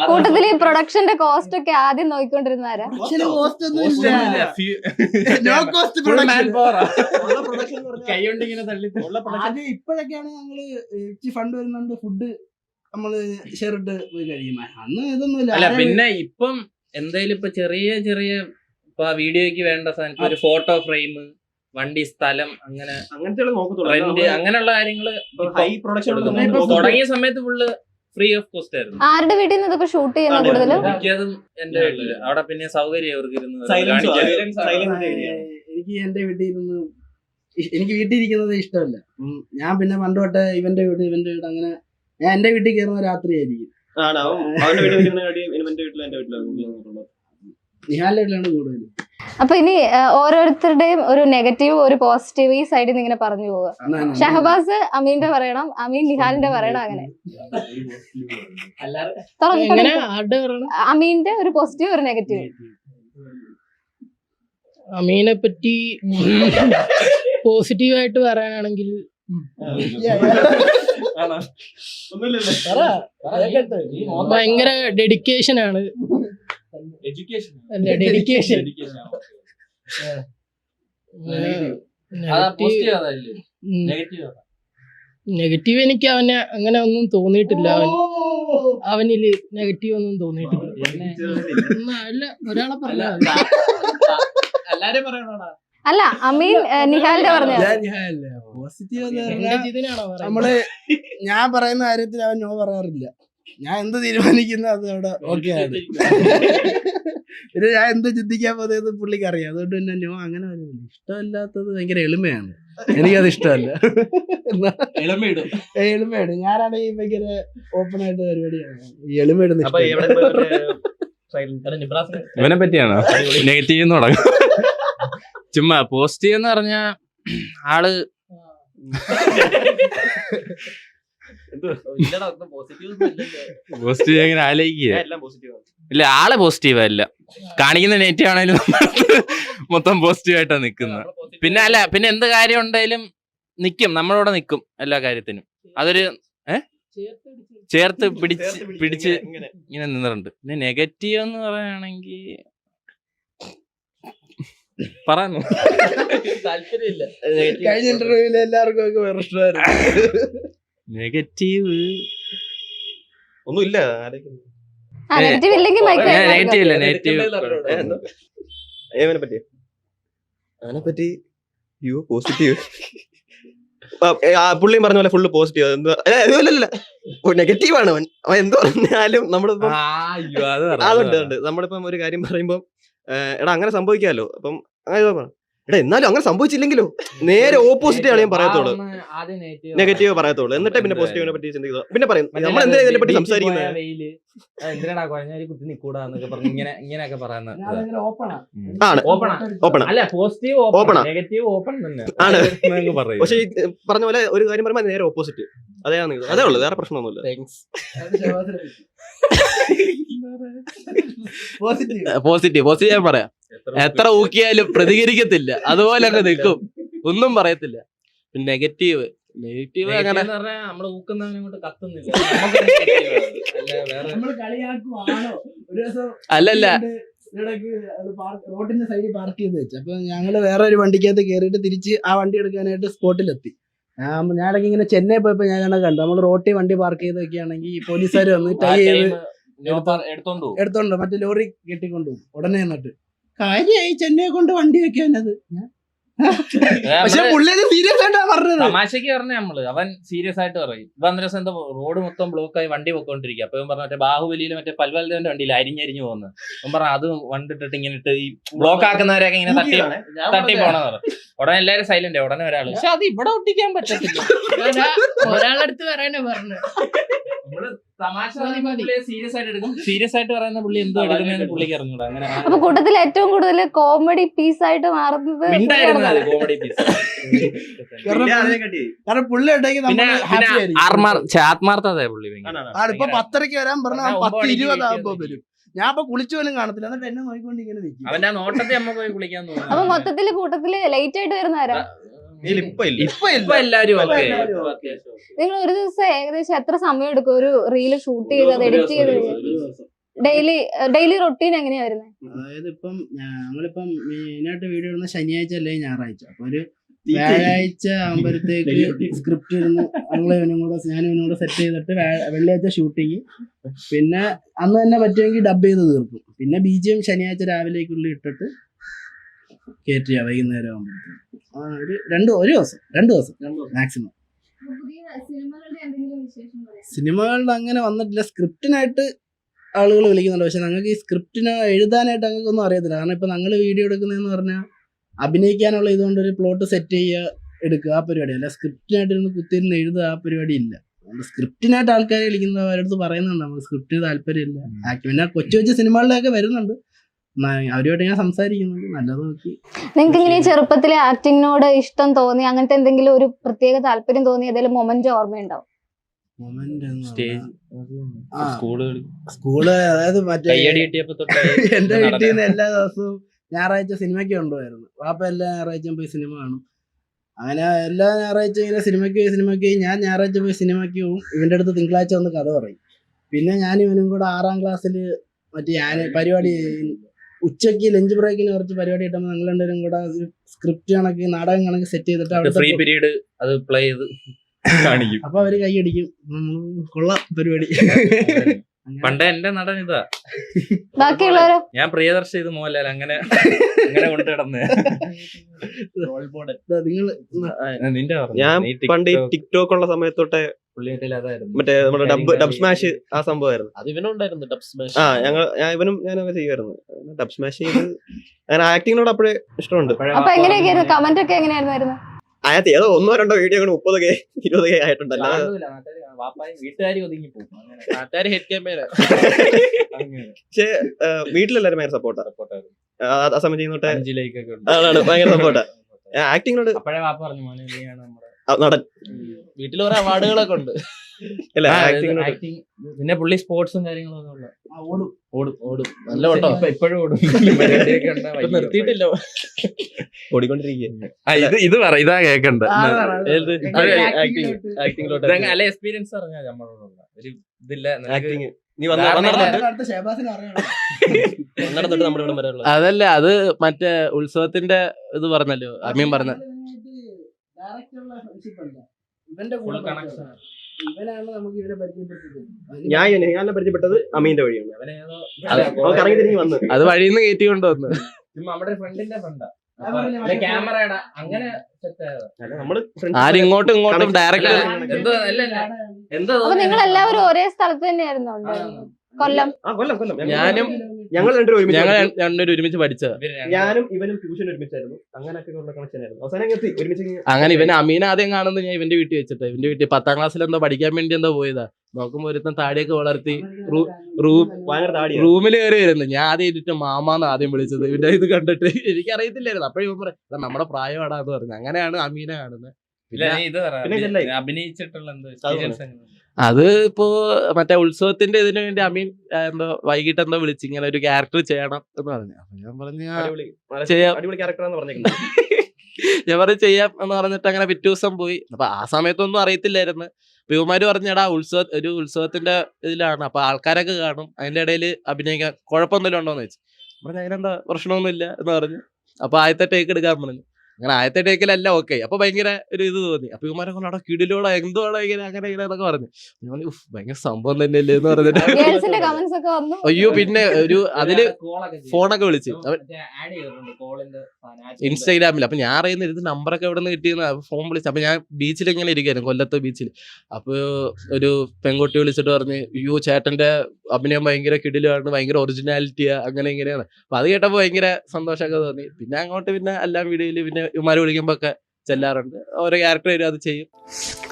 കൂട്ടത്തില് ഈ പ്രൊഡക്ഷന്റെ കോസ്റ്റ് ഒക്കെ ആദ്യം നോക്കിക്കൊണ്ടിരുന്നാരാ? ഇപ്പോഴൊക്കെയാണ് ഞങ്ങള് ഫണ്ട് വരുന്നുണ്ട്, ഫുഡ് നമ്മള് ഷെയർ ഇട്ട് പോയി കഴിയും. അന്ന് ഇതൊന്നുമില്ല. അല്ല പിന്നെ ഇപ്പം എന്തായാലും ഇപ്പൊ ചെറിയ ചെറിയ ഇപ്പൊ വീഡിയോയ്ക്ക് വേണ്ട സാധനം ഒരു ഫോട്ടോ ഫ്രെയിം, വണ്ടി സ്ഥലം, അങ്ങനത്തെ റെന്റ്, അങ്ങനെയുള്ള കാര്യങ്ങള് തുടങ്ങിയ സമയത്ത് ഫുള്ള് ഫ്രീ ഓഫ് കോസ്റ്റ് ആയിരുന്നു. ആരുടെ വീട്ടിൽ നിന്ന് ഇതൊക്കെ ഷൂട്ട് ചെയ്യുന്ന കൂടുതലും? മിക്കതും എന്റെ വീട്ടില്. അവിടെ പിന്നെ സൗകര്യം അവർക്ക് എനിക്ക് എന്റെ വീട്ടിൽ ഇരുന്ന് എനിക്ക് വീട്ടിൽ ഇരിക്കുന്നത് ഇഷ്ടമല്ല. ഞാൻ പിന്നെ പണ്ട് തൊട്ട് ഇവന്റെ വീട് അങ്ങനെ ഞാൻ എന്റെ വീട്ടിൽ കയറുന്ന രാത്രിയായിരിക്കും. നിഹാലിന്റെ വീട്ടിലാണ് കൂടുതൽ. അപ്പൊ ഇനി ഓരോരുത്തരുടെയും ഒരു നെഗറ്റീവ് ഒരു പോസിറ്റീവ് ഈ സൈഡിൽ നിന്ന് ഇങ്ങനെ പറഞ്ഞു പോവുക. ഷഹബാസ് അമീന്റെ പറയണം, അമീൻ നിഹാലിന്റെ പറയണം, അങ്ങനെ അമീന്റെ ഒരു പോസിറ്റീവ് ഒരു നെഗറ്റീവ്. അമീനെ പറ്റി പോസിറ്റീവായിട്ട് പറയാനാണെങ്കിൽ ഭയങ്കര ഡെഡിക്കേഷൻ ആണ്. ഡെഡിക്കേഷൻ നെഗറ്റീവ് എനിക്ക് അവനെ അങ്ങനെ ഒന്നും തോന്നിയിട്ടില്ല. അവനില് നെഗറ്റീവ് ഒന്നും തോന്നിയിട്ടില്ല. അല്ല ഒരാളെ പറഞ്ഞ അല്ല അമീൻ നിഹാലിന്റെ പറഞ്ഞ പോസിറ്റീവ് നമ്മള് ഞാൻ പറയുന്ന കാര്യത്തിൽ അവൻ നോ പറയാറില്ല. ഞാൻ എന്ത് തീരുമാനിക്കുന്ന അത് അവിടെ ഓക്കെ ആണ്. പിന്നെ ഞാൻ എന്ത് ചിന്തിക്കാൻ പോകുന്നത് പുള്ളിക്ക് അറിയാം. അതുകൊണ്ട് തന്നെ നോ അങ്ങനെ പറയുന്നില്ല. ഇഷ്ടമല്ലാത്തത് ഭയങ്കര എളിമയാണ്. എനിക്കത് ഇഷ്ടമല്ല. എളിമയാണ്. ഞാനാണെങ്കിൽ ഭയങ്കര ഓപ്പൺ ആയിട്ട് പരിപാടിയാണ്. ഈ എളിമയിടുന്ന ഇവനെ പറ്റിയാണോ നെഗറ്റീവ് തുടങ്ങും? ചുമ്മാ പോസിറ്റീവ് എന്ന് പറഞ്ഞ ആള് പോസിറ്റീവ് എങ്ങനെ ആലോചിക്കുക? ഇല്ല, ആളെ പോസിറ്റീവ് അല്ല, കാണിക്കുന്ന നെഗറ്റീവ് ആണെങ്കിലും മൊത്തം പോസിറ്റീവ് ആയിട്ടാണ് നിക്കുന്നത്. പിന്നെ എന്ത് കാര്യം ഉണ്ടെങ്കിലും നിക്കും, നമ്മളോടെ നിക്കും എല്ലാ കാര്യത്തിനും. അതൊരു ചേർത്ത് പിടിച്ച് ഇങ്ങനെ നിന്നിട്ടുണ്ട്. പിന്നെ നെഗറ്റീവ് എന്ന് പറയുകയാണെങ്കിൽ പറയാനോ താല്പര്യമില്ല. കഴിഞ്ഞ ഇന്റർവ്യൂവിൽ എല്ലാവർക്കും ഒക്കെ വേറെ ഇഷ്ടമായിരുന്നു. നെഗറ്റീവ് ഒന്നുമില്ല. നെഗറ്റീവ് ഇല്ലെങ്കിൽ അതിനെപ്പറ്റി പോസിറ്റീവ് പുള്ളിയും പറഞ്ഞ പോലെ ഫുള്ള് പോസിറ്റീവ്. നെഗറ്റീവ് ആണ് അവൻ. എന്ത് പറഞ്ഞാലും നമ്മളിപ്പം അതുണ്ട്. നമ്മളിപ്പം ഒരു കാര്യം പറയുമ്പം എടാ അങ്ങനെ സംഭവിക്കാമല്ലോ, അപ്പം എടാ എന്നാലും അങ്ങനെ സംഭവിച്ചില്ലെങ്കിലോ നേരെ ഓപ്പോസിറ്റ് ആണ് ഞാൻ പറയത്തുള്ളൂ. നെഗറ്റീവ് പറയത്തുള്ളൂ. എന്നിട്ടേ പിന്നെ പോസിറ്റീവിനെ പറ്റി ചിന്തിക്കുക. പിന്നെ പറയും നമ്മൾ എന്തിനാ ഇതിനെ പറ്റി സംസാരിക്കുന്നത്? എന്തിനാടാ കുഴഞ്ഞാൽ കുത്തി നിക്കൂടാ എന്നൊക്കെ പറഞ്ഞു ഇങ്ങനെയൊക്കെ പറയുന്നത് ആണ്. ഓപ്പൺ അല്ല, പോസിറ്റീവ് ഓപ്പൺ, നെഗറ്റീവ് ഓപ്പൺ തന്നെ ആണ്. പക്ഷെ ഈ പറഞ്ഞ പോലെ ഒരു കാര്യം പറയുമ്പോൾ നേരെ ഓപ്പോസിറ്റ്. അതേ ഉള്ളു, വേറെ പ്രശ്നമൊന്നുമില്ല. പോസിറ്റീവ് ഞാൻ പറയാം. എത്ര ഊക്കിയാലും പ്രതികരിക്കത്തില്ല, അതുപോലെ അങ്ങ് നിൽക്കും, ഒന്നും പറയത്തില്ല. നെഗറ്റീവ് അങ്ങനെ നമ്മള് ഊക്കുന്നവനെ കൊണ്ട് കത്തുന്നില്ല. അല്ലല്ല റോഡിന്റെ സൈഡിൽ പാർക്ക് ചെയ്ത് വെച്ചു. അപ്പൊ ഞങ്ങള് വേറെ ഒരു വണ്ടിക്കകത്ത് കയറിയിട്ട് തിരിച്ച് ആ വണ്ടി എടുക്കാനായിട്ട് സ്പോട്ടിലെത്തി. ഞാനൊക്കെ ഇങ്ങനെ ചെന്നൈ പോയപ്പോ ഞാൻ കണ്ടു, നമ്മൾ റോട്ടിൽ വണ്ടി പാർക്ക് ചെയ്ത് വെക്കുകയാണെങ്കിൽ പോലീസുകാർ വന്ന് ടൈ ചെയ്ത് എടുത്തോണ്ട് മറ്റേ ലോറി കെട്ടിക്കൊണ്ടുപോകും ഉടനെ. എന്നിട്ട് കാര്യമായി ചെന്നൈ കൊണ്ട് വണ്ടി വെക്കാനത്. പക്ഷെ പുള്ളിയത് സീരിയസ് ആയിട്ടാ പറഞ്ഞത്. തമാശക്ക് പറഞ്ഞ നമ്മള് അവൻ സീരിയസ് ആയിട്ട് പറയും. ഇപ്പൊ അന്നേരം എന്താ റോഡ് മൊത്തം ബ്ലോക്കായി വണ്ടി പൊക്കോണ്ടിരിക്കുക. അപ്പൊ പറഞ്ഞ മറ്റേ ബാഹുബലിയില് മറ്റേ പൽവൽദേവന്റെ വണ്ടിയിൽ അരിഞ്ഞരിഞ്ഞു പോകുന്നത്. അവൻ പറഞ്ഞ അത് വണ്ടിട്ടിട്ട് ഇങ്ങനെ ഇട്ട് ഈ ബ്ലോക്ക് ആക്കുന്നവരൊക്കെ ഇങ്ങനെ തട്ടി പോണെന്ന് പറഞ്ഞു. ഉടനെ എല്ലാരും സൈലന്റ്. ഉടനെ ഒരാള് പക്ഷെ അത് ഇവിടെ ഒട്ടിക്കാൻ പറ്റത്തില്ല. ഒരാളടുത്ത് പറയാനാ പറഞ്ഞു. തമാശ സീരിയസ് ആയിട്ട് എടുക്കും. സീരിയസ് ആയിട്ട് പറയുന്ന പുള്ളി എന്തോ എടുക്കുന്നതെന്ന് പുള്ളിക്ക് അറിഞ്ഞൂടാ. അങ്ങനെ അപ്പൊ കൂട്ടത്തിൽ ഏറ്റവും കൂടുതൽ കോമഡി പീസ് ആയിട്ട് മാറുന്നത് കോമഡി പീസ്. കാരണം പുള്ളി ആത്മാർത്ഥത പുള്ളി. ഇപ്പൊ 10:30 വരാൻ പറഞ്ഞാൽ 10:20 ആകുമ്പോ വരും. ഞാൻ ഇപ്പൊ കുളിച്ചു പോലും കാണത്തില്ല. എന്നിട്ട് എന്നെ നോക്കിക്കൊണ്ട് ഇങ്ങനെ നിൽക്കും. അവന്റെ നോട്ടത്തെ അമ്മ പോയി കുളിക്കാൻ തോന്നുന്നു. അപ്പൊ മൊത്തത്തില് കൂട്ടത്തില് ലേറ്റ് ആയിട്ട് വരുന്നവരാ? ഇപ്പൊ എല്ലാരും നിങ്ങൾ ഒരു ദിവസം ഏകദേശം എത്ര സമയം എടുക്കും ഒരു റീല് ഷൂട്ട് ചെയ്ത് അത് എഡിറ്റ് ചെയ്ത്? ഡെയിലി റൊട്ടീൻ എങ്ങനെയാ വരുന്നത്? അതായത് ഇപ്പം ഞങ്ങളിപ്പം മെയിനായിട്ട് വീഡിയോ ഇടുന്ന ശനിയാഴ്ച അല്ലെങ്കിൽ ഞായറാഴ്ച. അപ്പൊ ഒരു വ്യാഴാഴ്ച ആകുമ്പോഴത്തേക്ക് സ്ക്രിപ്റ്റ് ഇരുന്ന് ഞാനും ഇവനും കൂടെ സെറ്റ് ചെയ്തിട്ട് വെള്ളിയാഴ്ച ഷൂട്ടിങ്, പിന്നെ അന്ന് തന്നെ പറ്റുമെങ്കിൽ ഡബ് ചെയ്ത് തീർക്കും. പിന്നെ BGM ശനിയാഴ്ച രാവിലേക്കുള്ളിൽ ഇട്ടിട്ട് കയറ്റിയ വൈകുന്നേരം ആകുമ്പോഴത്തേക്ക് ഒരു ദിവസം മാക്സിമം. സിനിമകളുടെ അങ്ങനെ വന്നിട്ടില്ല. സ്ക്രിപ്റ്റിനായിട്ട് ആളുകൾ വിളിക്കുന്നുണ്ട്, പക്ഷെ ഞങ്ങൾക്ക് ഈ സ്ക്രിപ്റ്റിന് എഴുതാനായിട്ട് ഞങ്ങൾക്കൊന്നും അറിയത്തില്ല. കാരണം ഇപ്പൊ ഞങ്ങൾ വീഡിയോ എടുക്കുന്നതെന്ന് പറഞ്ഞാൽ അഭിനയിക്കാനുള്ള ഇതുകൊണ്ട് ഒരു പ്ലോട്ട് സെറ്റ് ചെയ്യുക, എടുക്കുക, ആ പരിപാടി അല്ല. സ്ക്രിപ്റ്റിനായിട്ട് ഇരുന്ന് കുത്തിയിരുന്ന് എഴുതുക, ആ പരിപാടി ഇല്ല. സ്ക്രിപ്റ്റിനായിട്ട് ആൾക്കാരെ വിളിക്കുന്നത് അവരുടെ അടുത്ത് പറയുന്നുണ്ട് നമുക്ക് സ്ക്രിപ്റ്റിന് താല്പര്യമില്ല. പിന്നെ കൊച്ചു സിനിമകളിലൊക്കെ വരുന്നുണ്ട്, അവരുമായിട്ട് ഞാൻ സംസാരിക്കുന്നുണ്ട്. നല്ലത് നോക്കി. നിങ്ങൾക്ക് ഇങ്ങനെ ചെറുപ്പത്തിലെ ആക്ടിങ്ങിനോട് ഇഷ്ടം തോന്നി, അങ്ങനത്തെ എന്തെങ്കിലും ഒരു പ്രത്യേക താല്പര്യം തോന്നി ഏതെങ്കിലും മൊമെന്റ് ഓർമ്മയുണ്ടാവും? സ്കൂള് അതായത് മറ്റേ എന്റെ വീട്ടിൽ നിന്ന് എല്ലാ ദിവസവും ഞായറാഴ്ച സിനിമയ്ക്ക് കൊണ്ടുപോയായിരുന്നു. വാപ്പ എല്ലാ ഞായറാഴ്ചയും പോയി സിനിമ കാണും. അങ്ങനെ എല്ലാ ഞായറാഴ്ച ഇങ്ങനെ സിനിമയ്ക്ക് ഞാൻ ഞായറാഴ്ച പോയി സിനിമയ്ക്ക് പോകും. ഇവന്റെ അടുത്ത് തിങ്കളാഴ്ച വന്ന് കഥ പറയും. പിന്നെ ഞാൻ ഇവനും കൂടെ 6ാം ക്ലാസ്സിൽ മറ്റേ പരിപാടി ഉച്ചയ്ക്ക് ലഞ്ച് ബ്രേക്കിന് കുറച്ച് പരിപാടി കിട്ടുമ്പോൾ ഞങ്ങൾ രണ്ടുപേരും കൂടെ സ്ക്രിപ്റ്റ് കണക്ക് നാടകം കണക്ക് സെറ്റ് ചെയ്തിട്ട് അവിടെ ഫ്രീ പീരീഡ് അത് പ്ലേ ചെയ്ത് കാണിക്കും. അപ്പൊ അവര് കൈയടിക്കും. കൊള്ളാം പരിപാടി. പണ്ടേ എന്റെ നടൻ ഇതാ. ബാക്കിയുള്ളവരോ? ഞാൻ പ്രിയദർശി ഇത് മോഹൻലാൽ അങ്ങനെ കൊണ്ടു കിടന്ന്. നിന്റെ ഞാൻ പണ്ട് ഈ ടിക്ടോക്ക് ഉള്ള സമയത്തൊട്ടെ മറ്റേ നമ്മുടെ ഡബ് സ്മാഷ് ആ സംഭവമായിരുന്നു. അത് ഇവനുണ്ടായിരുന്നു ഡബ് സ്മാഷ്. ഞാനൊക്കെ ചെയ്യുമായിരുന്നു ഡബ് സ്മാഷ് ചെയ്ത്. അങ്ങനെ ആക്ടിങ്ങിനോട് അപ്പോഴേ ഇഷ്ടമുണ്ട്. അപ്പൊ എങ്ങനെയൊക്കെയായിരുന്നു കമന്റ് ഒക്കെ എങ്ങനെയായിരുന്നു വരുന്നത്? അതിനകത്ത് ഏതോ 1-2 വീഡിയോ 30K 20K ആയിട്ടുണ്ടല്ലോ. വീട്ടുകാരി ഒതുങ്ങി പോകും. പക്ഷെ വീട്ടിലെല്ലാരും ഭയങ്കര സപ്പോർട്ടായിരുന്നു ആ സമയം ചെയ്യുന്നോട്ടെ. അതാണ് ഭയങ്കര സപ്പോർട്ടാ ആക്ടിങ്ങിനോട്. അപ്പഴേ വാപ്പ പറഞ്ഞു മോനെ നീയാണ് നമ്മുടെ നടൻ. വീട്ടിൽ കുറെ അവാർഡുകളൊക്കെ ഉണ്ട്. അല്ല പിന്നെ പുള്ളി സ്പോർട്സും കാര്യങ്ങളൊക്കെ ഉള്ള ഓടും നല്ല ഓട്ടോ. ഇപ്പോഴും ഓടും. നിർത്തിയിട്ടില്ല, ഓടിക്കൊണ്ടിരിക്കുക. ഇത് പറ, ഇതാ കേക്കണ്ട. ആക്ടിങ്ങിലോട്ട് അല്ല എക്സ്പീരിയൻസ് പറഞ്ഞാൽ നമ്മളോടുള്ള ഒരു ഇതില്ല. നീ നടന്നിട്ട് നമ്മുടെ ഇവിടെ വരാനുള്ള. അതല്ല, അത് മറ്റേ ഉത്സവത്തിന്റെ ഇത് പറഞ്ഞല്ലോ അമ്മയും പറഞ്ഞ. ഇവന്റെ കൂടെ ഇവനാണ് നമുക്ക് ഇവനെ പരിചയപ്പെടുത്തിയത്. ഞാൻ പരിചയപ്പെട്ടത് അമീന്റെ വഴിയാണ്. അവൻ കറങ്ങി തിരിഞ്ഞ് വന്ന് അത് വഴിന്ന് കയറ്റി കൊണ്ടുവന്നു. നമ്മുടെ ഫ്രണ്ടിന്റെ ഫ്രണ്ടാ ക്യാമറയുടെ അങ്ങനെ ആരും ഇങ്ങോട്ടും ഇങ്ങോട്ടും ഡയറക്റ്റ്. അപ്പൊ നിങ്ങൾ എല്ലാവരും ഒരേ സ്ഥലത്ത് തന്നെയായിരുന്നു കൊല്ലം? ഞങ്ങൾ രണ്ടുപേരും ഒരുമിച്ച് പഠിച്ചത്. ഞാനും ഇവനും ട്യൂഷൻ ഒരുമിച്ചായിരുന്നു. അങ്ങനെയൊക്കെ ഉള്ള കണക്ഷൻ ആയിരുന്നു. അവസാനം ഒരുമിച്ച്. അങ്ങനെ ഇവൻ അമീന ആദ്യം കാണുന്നത് ഞാൻ ഇവന്റെ വീട്ടിൽ വെച്ചിട്ട്. ഇവന്റെ വീട്ടിൽ 10ാം ക്ലാസ്സിൽ എന്തോ പഠിക്കാൻ വേണ്ടി എന്തോ പോയതാ. നോക്കുമ്പോ ഒരുത്തൻ താടിയൊക്കെ വളർത്തി റൂമിൽ കയറി വരുന്നു. ഞാൻ ആദ്യം ഇരുട്ട് മാമാന്ന് ആദ്യം വിളിച്ചത്. ഇവന്റെ ഇത് കണ്ടിട്ട് എനിക്കറിയത്തില്ലായിരുന്നു. അപ്പോഴും ഇവൻ പറയാം നമ്മുടെ പ്രായമാടാന്ന് പറഞ്ഞു. അങ്ങനെയാണ് അമീന കാണുന്നത്. അഭിനയിച്ചിട്ടുള്ള അത് ഇപ്പോ മറ്റേ ഉത്സവത്തിന്റെ ഇതിനു വേണ്ടി അമീൻ എന്തോ വൈകിട്ട് എന്തോ വിളിച്ച് ഇങ്ങനെ ഒരു ക്യാരക്ടർ ചെയ്യണം എന്ന് പറഞ്ഞു. അപ്പൊ ഞാൻ പറഞ്ഞു ചെയ്യാം. ഞാൻ പറഞ്ഞു ചെയ്യാം എന്ന് പറഞ്ഞിട്ട് അങ്ങനെ പിറ്റേ ദിവസം പോയി. അപ്പൊ ആ സമയത്തൊന്നും അറിയത്തില്ലായിരുന്നു. ഇവന്മാര് പറഞ്ഞടാ ഒരു ഉത്സവത്തിന്റെ ഇതിലാണ്, അപ്പൊ ആൾക്കാരൊക്കെ കാണും, അതിന്റെ ഇടയിൽ അഭിനയിക്കാൻ കുഴപ്പമൊന്നുമില്ല ഉണ്ടോന്ന് ചോദിച്ചു. പറഞ്ഞു അതിനെന്താ പ്രശ്നമൊന്നുമില്ല എന്ന് പറഞ്ഞു. അപ്പൊ ആദ്യത്തെ ടേക്ക് എടുക്കാൻ പറഞ്ഞു. അങ്ങനെ ആദ്യത്തെ ടേക്കിലല്ല ഓക്കെ. അപ്പൊ ഭയങ്കര ഒരു ഇത് തോന്നി. അപ്പൊ ഇവന്മാരെ കൊണ്ട് അവിടെ കിടിലോടെ എന്തുവാണോ ഇങ്ങനെ അങ്ങനെ എന്നൊക്കെ പറഞ്ഞു. ഭയങ്കര സംഭവം തന്നെയല്ലേ എന്ന് പറഞ്ഞിട്ട് അയ്യോ. പിന്നെ ഒരു അതില് ഫോണൊക്കെ വിളിച്ച് ഇൻസ്റ്റാഗ്രാമിൽ. അപ്പൊ ഞാൻ അറിയുന്ന ഇത് നമ്പറൊക്കെ എവിടെ നിന്ന് കിട്ടിയെന്ന് ഫോൺ വിളിച്ചു. അപ്പൊ ഞാൻ ബീച്ചിൽ ഇങ്ങനെ ഇരിക്കായിരുന്നു, കൊല്ലത്ത് ബീച്ചിൽ. അപ്പൊ ഒരു പെൺകുട്ടി വിളിച്ചിട്ട് പറഞ്ഞ് അയ്യോ ചേട്ടന്റെ അഭിനയം ഭയങ്കര കിടിലാണ്, ഭയങ്കര ഒറിജിനാലിറ്റിയാ, അങ്ങനെ ഇങ്ങനെയാണ്. അപ്പൊ അത് കേട്ടപ്പോ ഭയങ്കര സന്തോഷമൊക്കെ തോന്നി. പിന്നെ അങ്ങോട്ട് പിന്നെ എല്ലാ വീഡിയോയില് പിന്നെ ഇവന്മാര് വിളിക്കുമ്പോ ഒക്കെ ചെല്ലാറുണ്ട്. ഓരോ ക്യാരക്ടർ വരും, അത് ചെയ്യും.